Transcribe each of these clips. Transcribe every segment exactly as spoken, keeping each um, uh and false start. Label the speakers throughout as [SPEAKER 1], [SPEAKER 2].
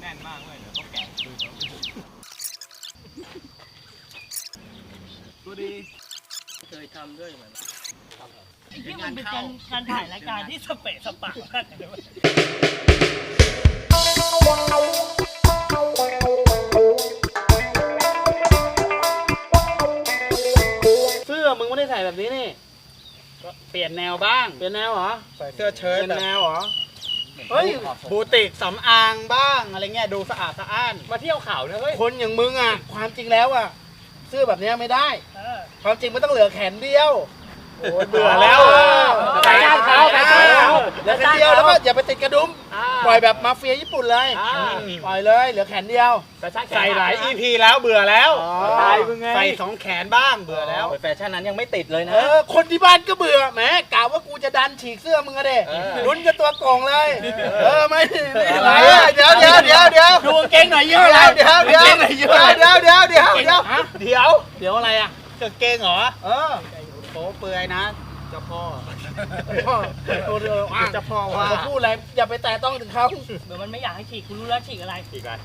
[SPEAKER 1] น่นมากเลยเดี๋ยวต้องแกะคืนดูดีเคยทำด้วยเหมือน
[SPEAKER 2] ที่มันเป็นการการถ่ายรายการที่สเปะสปะมากเลย
[SPEAKER 3] เสื้อมึงไม่ได้ใส่แบบนี้นี่ก็เปลี่ยนแนวบ้างเปลี่ยนแนวเหรอใส่เสื้อเชิ้ตเปลี่ยนแนวเหรอเฮ้ยบูติกสำอางบ้างอะไรเงี้ยดูสะอาดสะอ้านมาเที่ยวเขาเนี่ยเฮ้ยคนอย่างมึงอ่ะความจริงแล้วอ่ะเสื้อแบบนี้ไม่ได้ความจริงมันต้องเหลือแขนเดียวโอ้เบื่อแล้วใส่ด้านเขาใส่ด้านเขาเหลือแขนเดียวแล้วก็อย่าไปติดกระดุมปล่อยแบบมาเฟียญี่ปุ่นเลยปล่อยเลยเหลือแขนเดียวใส่หลาย อี พี แล้วเบื่อแล้วใส่สองแขนบ้างเบื่อแล้วแฟชั่นนั้นยังไม่ติดเลยนะคนที่บ้านก็เบื่อแหมกะว่ากูจะดันฉีกเสื้อมึงอะเด้ลุ้นกับตัวโกงเลยเออไม่อะไรเดี๋ยวเดี๋ยวเดี๋ยวเดี๋ยวดูเก่งหน่อยเยอะแล้วเดี๋ยวเดี๋ยวเดี๋ยวเดี๋ยวเดี๋ยวเดี๋ยวเดี๋ยวเดี๋ยวเดี๋ยวอะไรอ่ะกางเกงเหรอเออโป๊เปื่อยนะเจ้าพ่อพ่อตัวเดียวอ่ะเจ้าพ่อว่าเขาพูดอะไรอย่าไปแตะต้องถึงเขา
[SPEAKER 2] เดี๋ยวมันไม่อยากให้ฉีกคุณรู้แล้วฉีกอะไรฉีกอะไร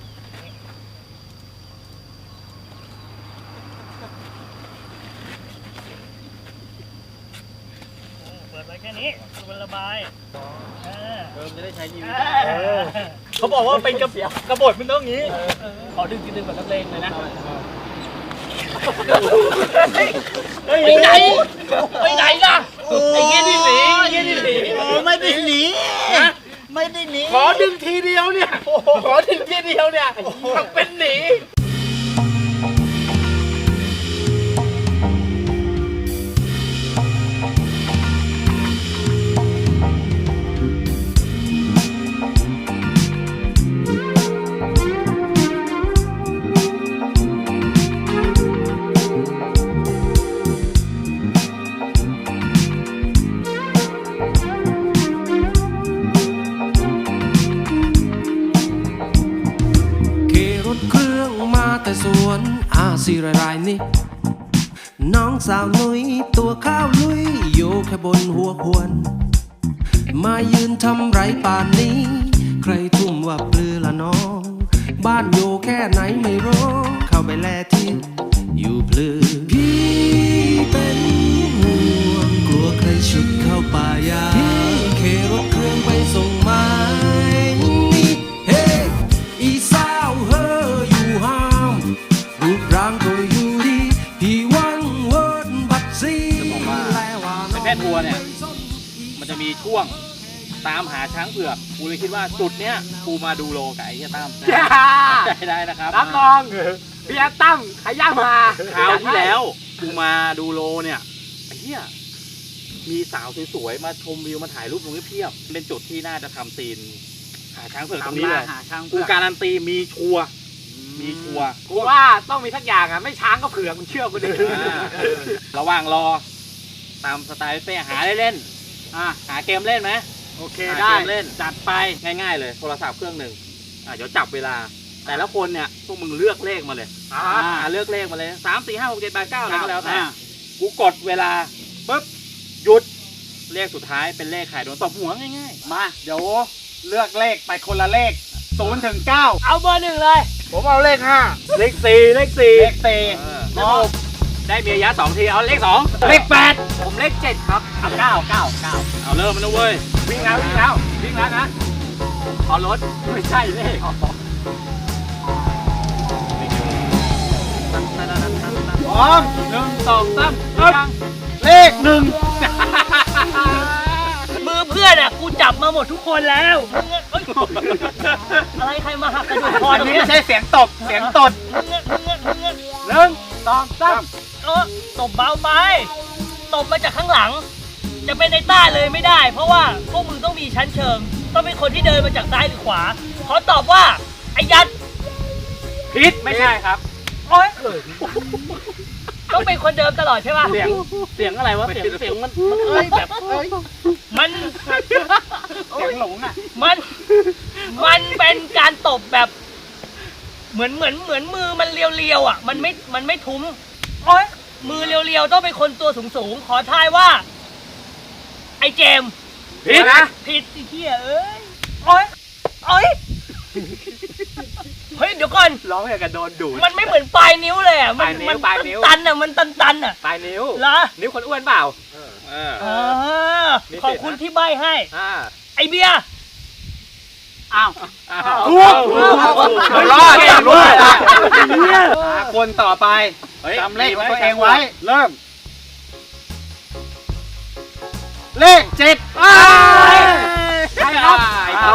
[SPEAKER 2] เปิดไว้แค่นี้มันระบายเออ
[SPEAKER 3] เออจะได้ใช้ชีวิต
[SPEAKER 2] เขาบอกว่าเป็นกระกระบดมันต้องงี้ขอดึงดึงแบบนักเลงเลยนะไปไหนไปไหนล่ะไอ้เงี้ยนี่หนีเงี้ยนี่หนีไม่ได้หนีไม่ได้หนี
[SPEAKER 3] ขอดึงทีเดียวเนี่ยขอดึงทีเดียวเนี่ยทำเป็นหนี
[SPEAKER 4] แต่สวนอาซีรายนี่น้องสาวนุ้ยตัวข้าวลุยอยู่แค่บนหัวควรมายืนทำไรป่านนี้ใครทุ่มว่าปลือละน้องบ้านอยู่แค่ไหนไม่รู้เข้าไปแลที่อยู่ปลือพี่เป็นห่วงกลัวใครฉุดเข้าป่ายาพี่เครถเครื่องไปส่งไม้เฮ้อีสาวเฮอรูปร่างก็อยู่ดีพี่วันเวิร์ดบัดซีจะบอกว่า
[SPEAKER 3] เป็นแพทย์ทัวร์เนี่ยมันจะมีช่วงตามหาช้างเผือกกูเลยคิดว่าจุดเนี้ยกูมาดูโลกับไอ้เหี้ยตั้มได้ได้นะครับ
[SPEAKER 1] รับรองพี่ตั้มขย่ามา
[SPEAKER 3] คราวที่แล้วกูมาดูโลเนี่ยไอ้เหี้ยมีสาวสวยๆมาชมวิวมาถ่ายรูปตรงนี้เพียบเป็นจุดที่น่าจะทำซีนหาช้างเผือกตรงนี้เลยกูการันตีมีชัวร์มีชัวร์
[SPEAKER 1] กูว่าต้องมีทักอย่างอ่ะไม่ช้างก็เผือกมึงเชื่อกูดิ
[SPEAKER 3] ระหว่างรอตามสไตล์เป้หาได้เล่นอ่ะหาเกมเล่นไหม
[SPEAKER 1] โอเคได้
[SPEAKER 3] เล่นจัดไปง่ายๆเลยโทรศัพท์เครื่องหนึ่งอ่ะเดี๋ยวจับเวลาแต่ละคนเนี่ยพวกมึงเลือกเลขมาเลยอ่าเลือกเลขมาเลยสามสี่ห้าหกเจ็ดแปดเก้าอะไรก็แล้วแต่กูกดเวลาปุ๊บหยุดเลขสุดท้ายเป็นเลขไข่โดนตบหัวง่าย
[SPEAKER 1] ๆมาเดี๋ยวเลือกเลขไปคนละเลขศูนย์ถึงเก้า
[SPEAKER 2] เอาเบอร์หนึ่งเลย
[SPEAKER 3] ผมเอาเลขห้าเลขสี่เลขสี่
[SPEAKER 1] เลขสี่
[SPEAKER 3] ได้เมียยะสองทีเอาเลขสอง
[SPEAKER 1] เลขแปดผมเลขเจ็ดครับเอาเก้าเก้าเก้า
[SPEAKER 3] เอาเริ่มมันนะเว้ย
[SPEAKER 1] วิ่งแล้ววิ่งแล้ววิ่งแล้วนะขอรถไม่ใช่เลข
[SPEAKER 3] พร้อมหนึ่งสองสามเลขหนึ่ง
[SPEAKER 2] มือเพื่อนอ่ะกูจับมาหมดทุกคนแล้วอะไรใครมาหักกระดูกคอ
[SPEAKER 1] นี้ไม่ใช่เสียงตบเสียงตดหนึ่งสองสาม
[SPEAKER 2] เออตบเบาไปตบมาจากข้างหลังจะเป็นในต้าเลยไม่ได้เพราะว่าพวกมึงต้องมีชั้นเชิงต้องเป็นคนที่เดินมาจากซ้ายหรือขวาขอตอบว่าไอ้ยัด
[SPEAKER 1] ผิดไม่ใช่ครับ
[SPEAKER 2] โอ๊ยต้องเป็นคนเดิมตลอดใช่ป่ะ
[SPEAKER 3] เสียงเสียงอะไรวะเสียงเสียงมันมันเอ้ยแบบเอ้ย
[SPEAKER 2] มัน
[SPEAKER 1] เสียงหลงอ่ะ
[SPEAKER 2] มันมันเป็นการตบแบบเหมือนเหมือนเหมือนมือมันเรียวๆอ่ะมันไม่มันไม่ทุ้มโอ๊ยมือเรียวๆต้องเป็นคนตัวสูงๆขอทายว่าไอ้เจม
[SPEAKER 3] ผิดนะ
[SPEAKER 2] ผิดสิเหี้ยเอ้ยโอ๊ยโอ๊ยเฮ้ยเดี๋ยวก่อน
[SPEAKER 1] ร้องอย่างกับโดนดูด
[SPEAKER 2] มันไม่เหมือนปลายนิ้วเลยอ่ะ มั
[SPEAKER 1] ปลายนิ้ว
[SPEAKER 2] มั
[SPEAKER 1] ปลายนิ้ว
[SPEAKER 2] ตันๆอ่ะ มันตันๆอ่ะ
[SPEAKER 1] ปลายนิ้ว
[SPEAKER 2] เหรอ
[SPEAKER 1] นิ้วคนอ้วนเปล่าเออ
[SPEAKER 2] อ่าขอบคุณที่ใบให้
[SPEAKER 1] อ่า
[SPEAKER 2] ไอเบียร์
[SPEAKER 3] อ้าว
[SPEAKER 1] ถูกรอดจับรอดคนต่อไปจำเลขของตัวเองไว้ เริ่ม เลขเจ็ดใช่ครับเอา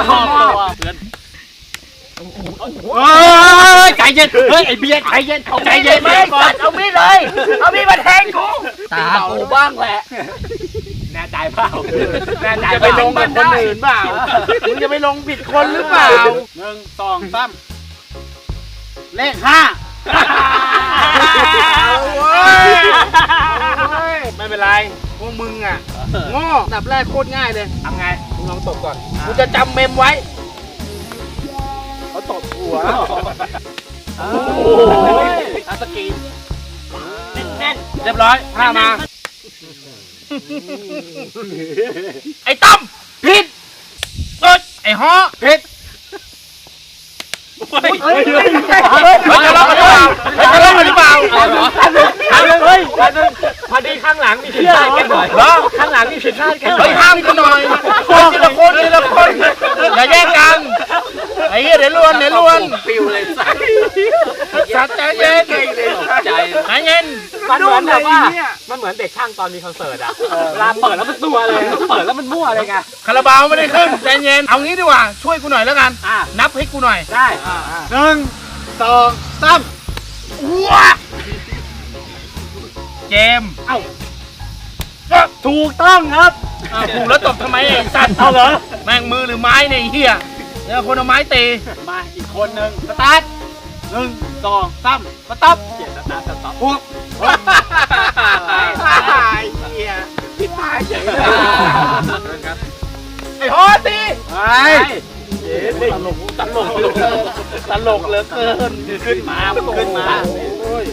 [SPEAKER 1] เฮ้ยใจเย็นเฮ้ยไอเบียร์ใจเย็นใจเย็น
[SPEAKER 2] ไม่
[SPEAKER 1] ก่อ
[SPEAKER 2] ตั
[SPEAKER 1] น
[SPEAKER 2] ดเอามีดเลย เอามีดมาแทงกู
[SPEAKER 3] ตากูบ้างแหละ
[SPEAKER 1] แน่ใจเปล่าแน่ใจ
[SPEAKER 3] จะไปลงกับคนอื่นเปล่ามึงจะไปลงผิดคนหรือเปล่าหนึ่งสองสามเลขห้าไม่เป็นไรพวกมึงอ่ะโง่ดับแรกโคตรง่ายเลย
[SPEAKER 1] ทำไง
[SPEAKER 3] มึงลองตบก่อนกูจะจำเมมไว้เขาตบหัว
[SPEAKER 1] โอ้ยอาสกี
[SPEAKER 2] แน่น
[SPEAKER 3] เรียบร้อยห้ามา
[SPEAKER 2] ไอ้ตั้ม
[SPEAKER 3] ผิด
[SPEAKER 2] เอ้ย
[SPEAKER 3] ไอ้ฮอ
[SPEAKER 1] ผิด
[SPEAKER 2] เฮ้ย
[SPEAKER 3] เฮ้ยจะลองกันหรือเปล่าจะลองกันหรือเปล่า
[SPEAKER 1] เอาเหรอเอาเลยเฮ้ยพอดีข้างหลังมีผิดพลาดกันหน่อย
[SPEAKER 3] เหรอ
[SPEAKER 1] ข้างหลังมีผิดพลาดกันหน่
[SPEAKER 3] เฮ้
[SPEAKER 1] อย ย
[SPEAKER 3] ห้ามกันหน่อยทีละคนทีละคนอย่าแย่งกันไอ้เหี้ยเดี๋ยวลวนเดี๋ยวลวน
[SPEAKER 1] ปิวเลยสัตว์
[SPEAKER 3] สัตว์ใจเย็น
[SPEAKER 1] ใจ
[SPEAKER 3] ใจเย็น
[SPEAKER 1] มันเหมือนแบบว่ามันเหมือนเด็กช่างตอนมีคอนเสิร์ตอะเวลาเปิดแล้วมันตัวเลยเปิดแล้วมันมั่วเลยไง
[SPEAKER 3] คาราบาวไม่ได้ขึ้นใจเย็นเอางี้ดีกว่าช่วยกูหน่อยแล้วกัน
[SPEAKER 1] อ่ะ
[SPEAKER 3] นับให้กูหน่อย
[SPEAKER 1] ได้
[SPEAKER 3] หนึ่งสองสามว้าเจมส์เอ้า
[SPEAKER 1] ถูกต้องครับ
[SPEAKER 3] อ้าวถูกแล้วตบทำไมไอ้สัตว์
[SPEAKER 1] เอาเหรอ
[SPEAKER 3] แม่งมือหรือไม้เนี่ยไอ้เหี้ยเดี๋ยวคนเอาไม้ตี
[SPEAKER 1] มาอีกคนนึง
[SPEAKER 3] สตาร์ทหนึ่งสองสามสต๊อป
[SPEAKER 1] เขียนสตาร์ทสต็อป
[SPEAKER 3] พวกไอ้เหี้ย
[SPEAKER 1] พี่ตายเฉยเลย
[SPEAKER 3] ไอ้ฮอตี
[SPEAKER 1] ไอ้ตลกตลกตลกเหลือเกินขึ้นมาขึ้นมาโอ้ย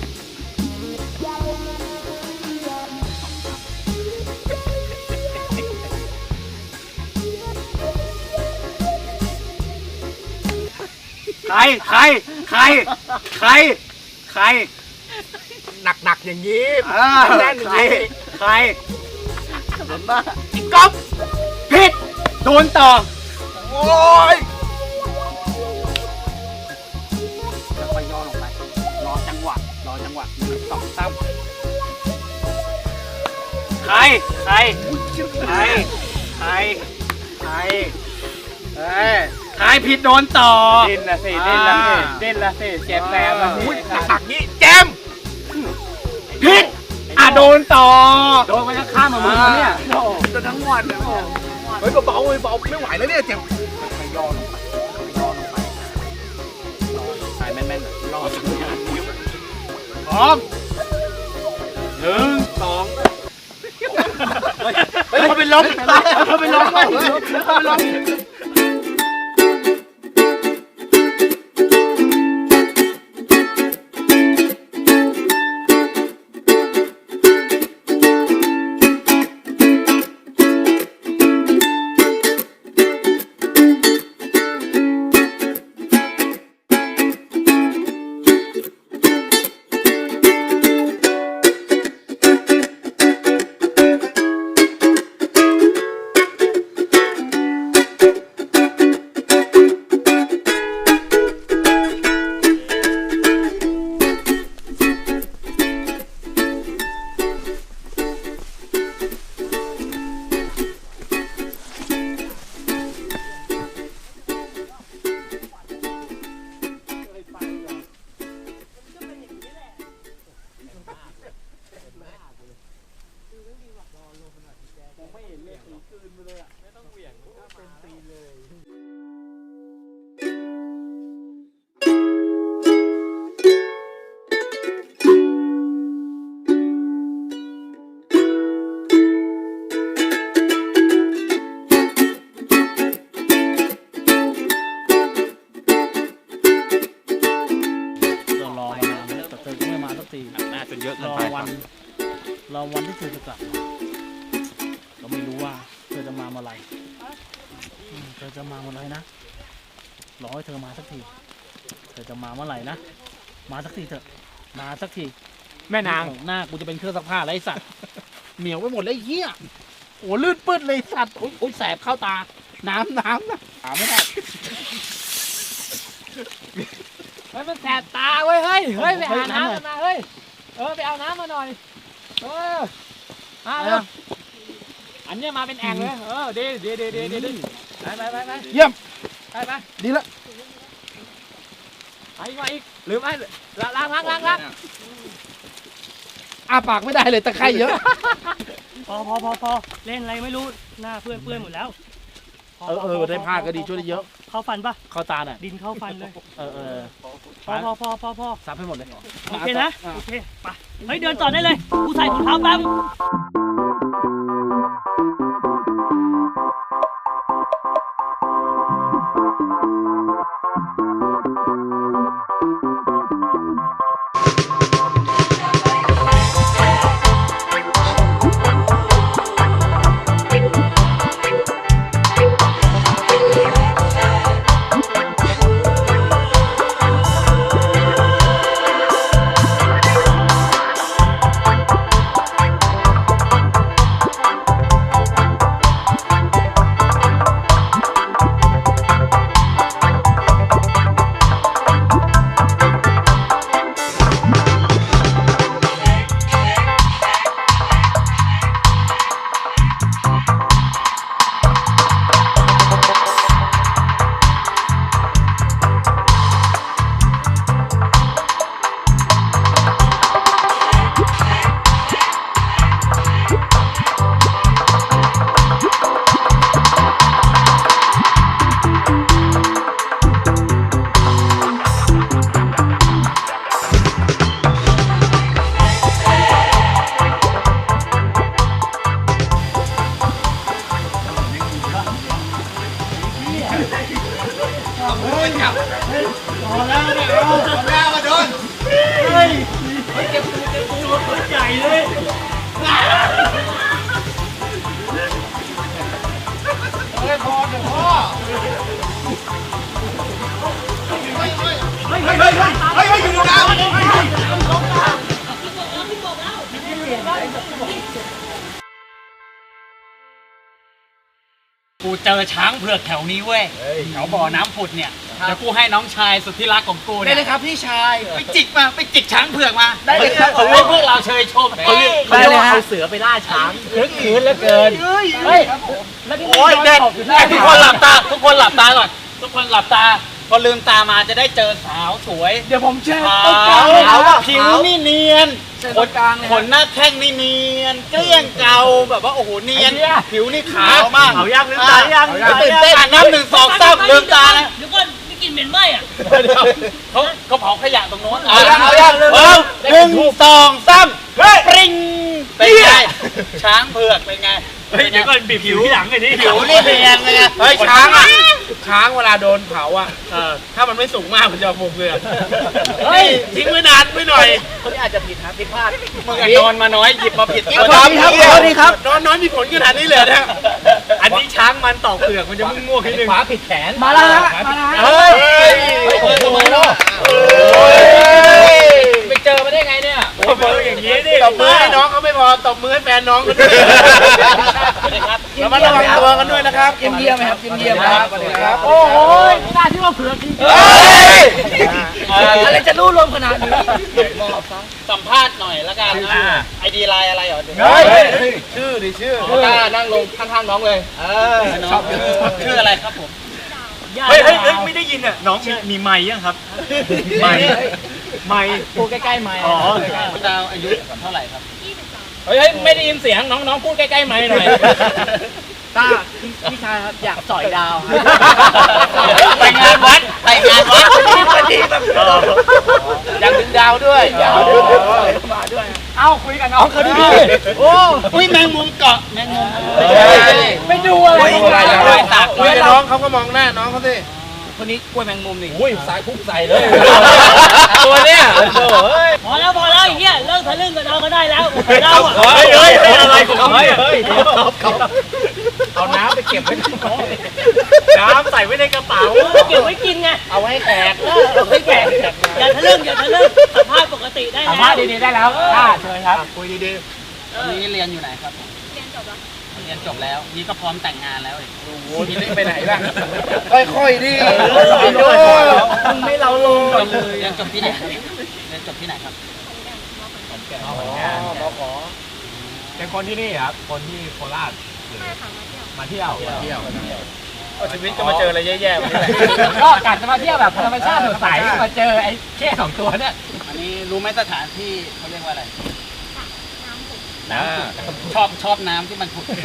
[SPEAKER 1] ใครใครใครใครใคร
[SPEAKER 3] หนักๆอย่างนี้
[SPEAKER 1] อ่า
[SPEAKER 3] แน่นๆอย่าง
[SPEAKER 1] ใคร
[SPEAKER 3] นี้
[SPEAKER 1] ใคร
[SPEAKER 3] อีกก๊อฟ
[SPEAKER 1] ผิดโดนต่อ
[SPEAKER 3] โอ้ย
[SPEAKER 1] ค่อยๆย่อลงไป รอจังหวะ รอจังหวะหนึ่งสองสามใคร ใคร ใคร ใคร ใครเอ้ยใครผิดโดนต่อดิ้นละสิดิ้นละสิดิ้นละสิเจ็บแสบละสิ
[SPEAKER 3] หนักๆนี้แจม
[SPEAKER 1] ผิดอ่ะโดนต่อ โดนมันจะข้ามมามือเนี่ย
[SPEAKER 3] จนทั้งวันเลยเฮ้ยเบาๆเลยเบาไม่ไหวแล้วเนี่ยเจ็บ
[SPEAKER 1] ค่อยๆย่อลงไปค่อยๆย่อลงไปรอใส่แม่นๆรอสัญญาณนิ้ว
[SPEAKER 3] พร้อมหนึ่งสองเฮ้ยเขาเป็นลมเขาเป็นลมเขาเป็นลม
[SPEAKER 5] เรารอมานานแล้วแต่เธอก็ไม่มาสักที
[SPEAKER 1] น่าจะเยอะ
[SPEAKER 5] รอวันรอวันที่เธอจะกลับมาเราไม่รู้ว่าเธอจะมาเมื่อไหร่อืมเธอจะมาเมื่อไหร่นะรอให้เธอมาสักทีเธอจะมาเมื่อไหร่นะมาสักทีเถอะมาสักที
[SPEAKER 1] แม่นาง
[SPEAKER 5] หน้ากูจะเป็นเครื่องซักผ้าไรสัตว์
[SPEAKER 3] เหนียวไปหมดเลยไอ้เหี้ยโอ้ลื่นปื้ดเลยสัตว์โอ้ยโอ้ยแสบเข้าตาน้ำน้ำนะหาไม่ได้
[SPEAKER 1] เฮ้ยมันแสบตาเว้ยเฮ้ยเฮ้ยไปหาน้ำกันมาเฮ้ยเออไปเอาน้ำมาหน่อยเออมาเร็วอันเนี้ยมาเป็นแอ่งเลยเออดีดีดีดีดีดีไปไปไปไป
[SPEAKER 3] เยี่ยม
[SPEAKER 1] ไปไป
[SPEAKER 3] ดีละ
[SPEAKER 1] ไปมาอีกหรือไม่ล้างล้างล้างล้างล้าง
[SPEAKER 3] อ้าปากไม่ได้เลยตะไคร่เยอะ
[SPEAKER 2] พอพอพอพอเล่นอะไรไม่รู้หน้าเพื่อนเปื้อนหมดแล้วพ
[SPEAKER 3] เออเออได้ผ้าก็ดีช่วยได้เยอะ
[SPEAKER 2] เข้าฟันปะ
[SPEAKER 3] เข้าตาหน่อย
[SPEAKER 2] ดินเข้าฟันเลย
[SPEAKER 3] เออเออ
[SPEAKER 2] พอพอพอพอพอ
[SPEAKER 3] ซับให้หมดเลย
[SPEAKER 2] โอเคนะโอเคไปเฮ้ยเดินต่อได้เลยกูใส่ถุงเท้าแป๊บ
[SPEAKER 1] กูเจอช้างเผือกแถวนี้เว้ยแถวบ่อน้ำผุดเนี่ยเดี๋ยวกูให้น้องชายสุดที่รักของกู
[SPEAKER 3] ได้
[SPEAKER 1] เนี่ย
[SPEAKER 3] เลยครับพี่ชาย
[SPEAKER 1] ไปจิกมาไปจิกช้างเผือกมา
[SPEAKER 3] ได้เลยครับ
[SPEAKER 1] เขาเรียกพวกเราเชยชมเขาเรียกเขาเรียกว่าเอาเสือไปล่าช้างลึกขืนเหลือเกินเฮ้ยแล้วที่โอ้ยเด็ดทุกคนหลับตาทุกคนหลับตาก่อนทุกคนหลับตาพอลืมตามาจะได้เจอสาวสวย
[SPEAKER 3] เดี๋ยวผมแช่
[SPEAKER 1] ขาว
[SPEAKER 3] ขาวอะ
[SPEAKER 1] ผิวนี่เนียนขนขนหน้าแข้งนี่เนียน เกลี้ยงเกาแบบว่าโอ้โหเนียน ผิวนี่ขาวมากเอายังลืมตายังตื่นเต้นน้ำหนึ่งสองสามลืมตานะ
[SPEAKER 2] เดี๋ยวก่อนไม่กินเหม็นไหมอ่ะ
[SPEAKER 1] เขาเขาเผาขยะตรงโน้น
[SPEAKER 3] เอายังเอายัง
[SPEAKER 1] เอาหนึ่งสองสามปริงเป็นไงช้างเผือกเป็นไงเฮ้ยเดี๋ยวก่อนบีบผิวที่หลังไอ้นี่ผิวนี่เนียนไงเฮ้ยช้างอ่ะ
[SPEAKER 3] ช้างเวลาโดนเผาอ่ะ
[SPEAKER 1] เออ
[SPEAKER 3] ถ้ามันไม่สูงมากมันจะฟูเกลือ
[SPEAKER 1] เฮ้ยทิ้งไว้นานไว้หน่อย
[SPEAKER 3] คนนี้อาจจะผิดครับผิดพลาด
[SPEAKER 1] มึงอะนอนมาน้อยหยิบมาผิด
[SPEAKER 3] ขอโทษทีครับขอโทษทีครับ
[SPEAKER 1] นอนน้อยมีผลขนาดนี้เลยนะอันนี้ช้างมันตอกเปลือกมันจะมุ่งมั่วนิดนึง
[SPEAKER 3] ขวาผิดแขนมาแล้วฮะมาแล้ว
[SPEAKER 1] เฮ้ยเฮ้ยทำไมล่ะไปเจอมาได้ไงเนี่ยโอ้โหอย่างนี้ดิ
[SPEAKER 3] ตบมือให้น้องเขาไม่พอตบมือให้แฟนน้องเขาด้วยแล้วมาระวังตัวกันด้วยนะครับเยี่ยมเยี่ยมไหมครับเยี่ยมเยี่ยมครับครับโอ้โห
[SPEAKER 2] น่าที่ว่าเผือกจริง
[SPEAKER 3] อะไรจะรู้รวมขนาดนี้
[SPEAKER 1] สัมภาษณ์หน่อยละกันไอดีไลน์อะไรเหรอ
[SPEAKER 3] เฮ้ยชื่อดิชื่อต้านั่งลงข้างๆน้องเลยเออ
[SPEAKER 1] น้องชื่ออะไรครับผม
[SPEAKER 2] เฮ้ยเฮ้ยเฮ้ย
[SPEAKER 1] ไม่ได้ยินอ่ะน้องมีมีไมค์ยังครับไมค์ไมค์
[SPEAKER 3] พูดใกล้ๆไมค์
[SPEAKER 1] อ๋อคุณดาวอายุเท่าไหร่ครับ
[SPEAKER 3] เฮ้ยไม่ได้ยินเสียงน้องๆพูดใกล้ๆไมค์หน่อยต้าพี่ชายครับอยากต่อยดาว
[SPEAKER 1] ไปงานวัดไปงานวัด
[SPEAKER 3] พอดีแบบอยากดึงดาวด้วยอยากดึงดาวมาด้วย
[SPEAKER 1] เอ้าคุยกับน้องเขาดิ
[SPEAKER 3] โอ้
[SPEAKER 1] อุ้ยแมงมุมเกาะแมงมุม
[SPEAKER 3] ไม่ดูอะไร
[SPEAKER 1] คุยกับน้องเขาก็มองหน้าน้องเขาสิ
[SPEAKER 2] คนนี้กล้วยแมงมุมนี่
[SPEAKER 1] อุ้ยสายพุ่งใส่เลยตัวเนี้ยโอ้โหเฮ้ย
[SPEAKER 2] พอแล้วพอแล้วไอ้เหี้ยเลิกทะลึ่งกับเราก็ได้แล้วเราอ่ะ
[SPEAKER 1] เฮ้ยเฮ้ยอะไรของเขาเฮ้ยเอาน้ำไปเก็บไว้ในกระเป๋าน้ำใส่ไว้ในกระเป๋า
[SPEAKER 2] เก็บไว้กินไง
[SPEAKER 3] เอาไว้ให้แขก
[SPEAKER 2] เออเอาไว้แขกอย่าทะลึ่งอย่าทะลึ่งสัมภาษณ์ปกติได้แล้ว
[SPEAKER 1] สัมภาษณ์ดีๆได้แล้วค่ะเชิญครับ
[SPEAKER 3] คุยดีๆตอนนี้เรียนอยู่ไหนครับ เรียนจบแล้ว เรียนจบแล้ว นี่ก็พร้อมแต่งงานแล้วโอ้โหทีนี้ไปไหนบ้างค่อยๆดิมึงไม่เราลงเรียนจบที่ไหนครับ เรียนจบที่ไหนครับอ๋อมขอ
[SPEAKER 1] เป็นคนที่นี่ครับ คนที่โคราชมาเที่ยวมาเที่ยว
[SPEAKER 3] ชีวิตจะมาเจออะไรแย่ๆวันนี้
[SPEAKER 1] ก็กะจะมาเที่ยวแบบธรรมชาติสดใสมาเจอไอ้แค่สองตัวเนี่ย
[SPEAKER 3] อันนี้รู้ไหมสถานที่เขาเรียกว่าอะไร
[SPEAKER 1] นะ
[SPEAKER 3] ชอบชอบน้ำที่มันผุด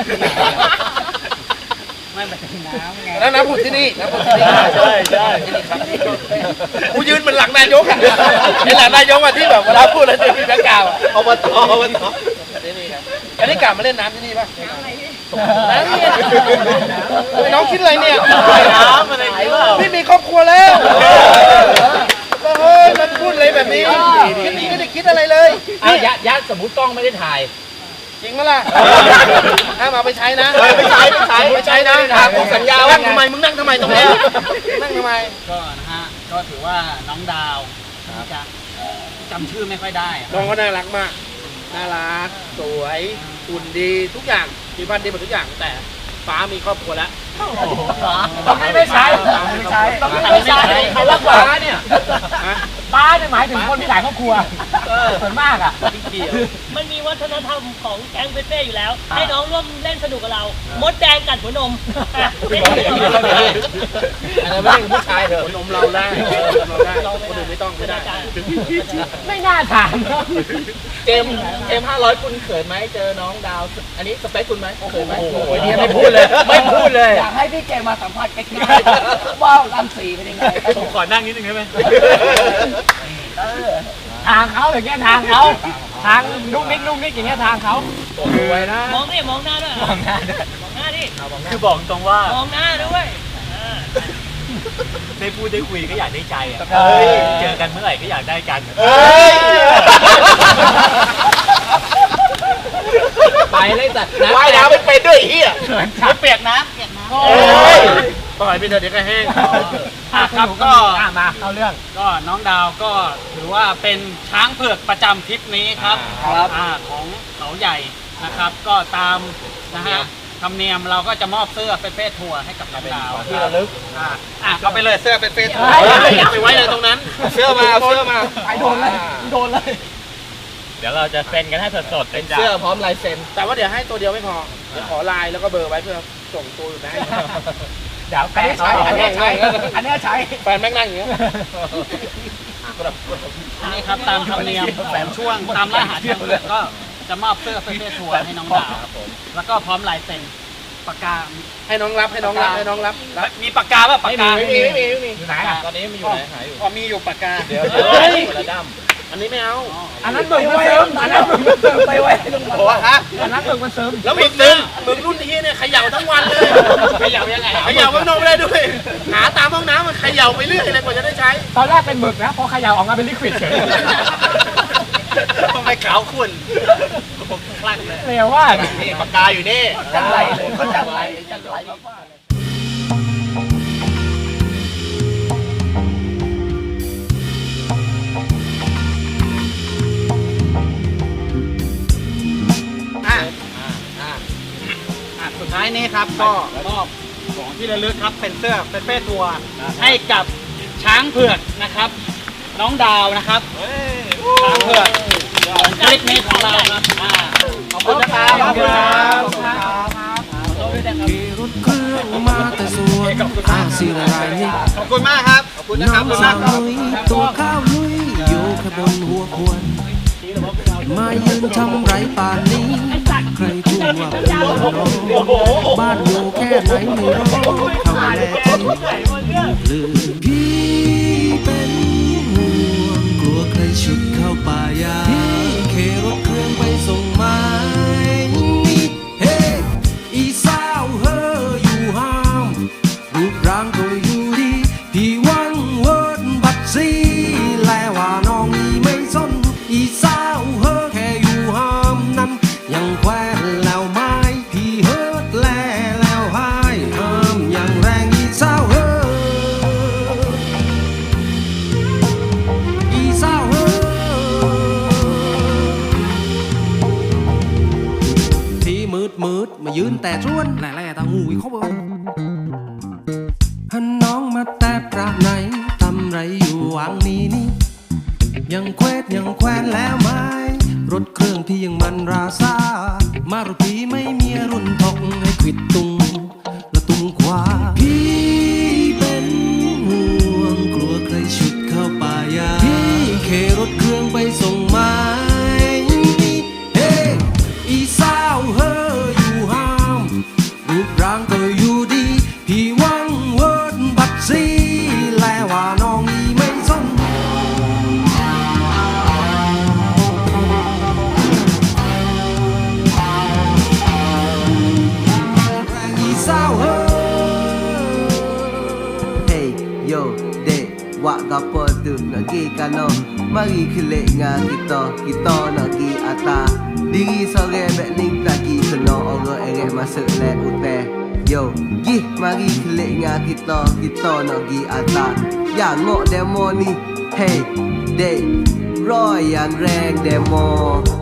[SPEAKER 3] ไม่เป็นน้ำไง
[SPEAKER 6] แล้วน้ำผุดที่นี่น้ำผุดที่นี่
[SPEAKER 1] ใช่ใช่
[SPEAKER 3] ที่นี่ครับ
[SPEAKER 6] กูยืนเป็นหลังนายกอ่ะไอ้หลังนายกอ่ะที่แบบเวลาพูดแล้วจะมีแบ็คกราวด์อะ
[SPEAKER 3] อบตอบต
[SPEAKER 6] ที่นี่ครับอันนี้กลับมาเล่นน้ำที่นี่ป่ะน้ำเนี่ยไอ้น้องคิดอะไรเนี่ย
[SPEAKER 3] น้ำอะไรนี่ว่า
[SPEAKER 6] พี่มีครอบครัวแล้วก็เฮ้ยมันพูดอะไรแบบนี้คิดไม่ได้คิดอะไรเลย
[SPEAKER 1] เอายัดยัดสมมติกล้องไม่ได้ถ่าย
[SPEAKER 6] จริงไหมล่ะห้ามเอาไปใช้นะ
[SPEAKER 3] ไม่ใช้ไม่ใช้
[SPEAKER 6] ไม่ใช้นะ
[SPEAKER 3] ถามผมสัญญาว่า
[SPEAKER 6] นั่งทำไมมึงนั่งทำไมตรงนี้นั่งทำไม
[SPEAKER 3] ก็นะฮะก็ถือว่าน้องดาวจะจำชื่อไม่ค่อยได้อะ
[SPEAKER 6] น้องก็น่ารักมาก น่ารัก สวยหุ่นดีทุกอย่างมีบ้านดีหมดทุกอย่าง แต่ฟ้ามีครอบครัวแล้ว
[SPEAKER 1] ต้องไม่ใช้ไม่ใช้ต้องไม่ใช้ใครรักป้าเนี่ยป้าเนี่ยหมายถึงคนที่หลายครอบครัวส่วนมากอ่ะ
[SPEAKER 2] มันมีวัฒนธรรมของแก๊งเป๊ะๆอยู่แล้ว ให้น้องร่วมเล่นสนุกกับเรา มดแดงกัดหัวนม
[SPEAKER 6] อันนั้นไม่ใช่ผู้ชายเถอะนมเราได้นมเราได้คนอื่นไม่ต้องไม่ได้
[SPEAKER 1] ไม่น่าถามเนอะ
[SPEAKER 6] เจมเจมห้าร้อยคุณเขินไหมเจอน้องดาว อันนี้สเปคคุณไหมเขินไหม
[SPEAKER 1] โอ้โหเนี่ยไม่พูดเลยไม่พูดเลยอยากให้พี่เจมาสัมภาษณ์ใกล้ๆว่ารังสีเป็นยังไง
[SPEAKER 3] ผมขอนั่งนิดนึงได้ไหม
[SPEAKER 1] ทางเขาอย่างเงี้ยทางเขาทางนุ่มนิกนุ่มนิกอย่างเงี้ยทางเขาสวยนะ
[SPEAKER 2] มองดิมองหน้าด้วย
[SPEAKER 1] มองหน้าด้วย
[SPEAKER 2] มองหน้าดิ
[SPEAKER 3] คือบอกตรงว่าม
[SPEAKER 2] องหน้าด้วยเออ
[SPEAKER 3] ได้พูดได้คุยก็อยากได้ใจอ่ะ
[SPEAKER 1] เฮ้ย
[SPEAKER 3] เจอกันเมื่อไหร่ก็อยากได้กัน
[SPEAKER 6] เฮ้ย
[SPEAKER 1] ไปเลยจัด
[SPEAKER 6] ว่ายน้ำไม่เป็นด้วยไอ้เฮีย
[SPEAKER 1] เขินจัด
[SPEAKER 3] เปียกน้ำเปียกน้ำ
[SPEAKER 1] โอ้
[SPEAKER 6] เฮ้
[SPEAKER 1] ย
[SPEAKER 6] ยปล่อยไปเถอะเดี๋ยวก็แห้ง
[SPEAKER 3] อ่ะครับก็
[SPEAKER 1] อ่ะมาเข้าเรื่อง
[SPEAKER 3] ก็น้องดาวก็ถือว่าเป็นช้างเผือกประจำทริปนี้ครับ
[SPEAKER 1] ครับ
[SPEAKER 3] อ่าของเขาใหญ่นะครับ ก็ตามนะฮะธรรมเนียมเราก็จะมอบเสื้อเฟสทัวร์ให้กับน้องดาว
[SPEAKER 6] ที่ระลึก
[SPEAKER 3] อ่าอ่ะเอาไปเลยเสื้อเฟสทัวร์
[SPEAKER 1] เฮ้ย
[SPEAKER 3] ไปไว้เลยตรงนั้น เสื้อมาเอาเสื้อมา
[SPEAKER 1] ไปโดนเลยโดนเลย
[SPEAKER 3] เดี๋ยวเราจะเซ็นกันให้สดๆเป็น
[SPEAKER 6] เสื้อพร้อมลายเซ็น แต่ว่าเดี๋ยวให้ตัวเดียวไม่พอ เดี๋ยวขอไลน์แล้วก็เบอร์ไว้เพื่อส่งตัวอยู่นะให้
[SPEAKER 1] เดี๋ยวอันนี้ใช้อันนี้ใช้อันนี้ใช้
[SPEAKER 6] แฟนแม่งนั่งอย่างเงี้ย
[SPEAKER 3] นี่ครับตามธรรมเนียมแฝงช่วงตามล่าหาช้างเผือกก็จะมอบเสื้อเฟสทัวร์ให้น้องดาวแล้วก็พร้อมลายเซ็นปากกา
[SPEAKER 6] ให้น้องรับให้น้องรับให้น้องรับรับ
[SPEAKER 3] มีปากกาป่ะปากกา
[SPEAKER 6] ไม่มีไม่มีไม่มี
[SPEAKER 1] อยู่ไหนอ่ะ
[SPEAKER 6] ตอนนี้มันอยู่ไหนหายอยู่
[SPEAKER 3] อ๋อมีอยู่ปากกา
[SPEAKER 6] เดี๋ยว
[SPEAKER 1] เฮ้ย
[SPEAKER 6] คนละด้ำอันนี้ไม่เอา
[SPEAKER 1] อันนั้นมึงมันเสริมอันนั้นมึงมันเสริมไปไว้ลงมา
[SPEAKER 6] โอ้ฮะ
[SPEAKER 1] อันนั้นมึงมันเสริม
[SPEAKER 6] แล้วมึงนึงมึงรุ่นที่เนี่ยเขย่าทั้งวันเลย
[SPEAKER 3] เขย่ายังไง
[SPEAKER 6] เขย่าข้างนอกไม่ได้ด้วย หาตามห้องน้ำมันเขย่าไปเรื่อยเลยกว่าจะได้ใช้
[SPEAKER 1] ตอนแรกเป็นหมึกนะพอเขย่าออกมาเป็นลิควิดเฉย
[SPEAKER 3] ทำไมขาวขุ่นผมคลั่งเลย
[SPEAKER 1] เร็วว่า
[SPEAKER 6] นี่ปากกาอยู่นี่
[SPEAKER 1] จังไรเลยเขาจังไรจังไร
[SPEAKER 3] อ่ะอ่ะสุดท้ายนี้ครับก็มอบของที่ระลึกครับเป็นเสื้อเป็นเฟสทัวร์ให้กับช้างเผือกนะครับ น้องดาวนะครับช้างเผือกคลิปนี้ของเราครับอ่าขอบคุณนะครับ
[SPEAKER 1] ขอบคุณครับ
[SPEAKER 4] ขี่รถเครื่องมาแต่สวนอาศิรายนี่
[SPEAKER 3] ขอบคุณมากครับขอบคุณนะค
[SPEAKER 4] น้
[SPEAKER 3] รั
[SPEAKER 4] อบ งสาวลุยตัวข้าวลุยอยู่แค่บนหัวควรมายืนทำไรป่านนี้ ใครพูดว่าเป็นน้องบ้านอยู่แค่ไหนไม่รู้เขาแลที่ลืมพี่เป็นห่วงกลัวใครชุดเข้าป่ายาพี่เครถเครื่องไปส่งไม้เฮ้อีสาวเฮออยู่ห้ามรูปร่างก็อยู่ดีพี่แต่ชวนแหล่แหล่ตางูอีกเขาบอกฮันน้องมาแต่ปราไหนทำไรอยู่วังนี้นี่ยังเควดยังแควนแล้วไหมรถเครื่องที่ยังมันราซามารถพีไม่มีรุ่นทกให้ขวิดตุงและตุงขวาพี่เป็นห่วงกลัวใครฉุดเข้าป่ายาพี่เครถเครื่องไปส่งไม้เฮ้อีสาวเฮออยู่ห้ามรูปร่างก็อยู่ดีพี่วังเวิร์ดบัดซีแลว่าน้องอีไม่สนWak gapo tu nak gi kano mari kelek ngah kita kita nak gi ata diri sore mek ning tak gi seno orang erek masuk le uteh yo gi mari kelek ngah kita kita nak gi ata ya ngok demo ni hey day roy yang reng demo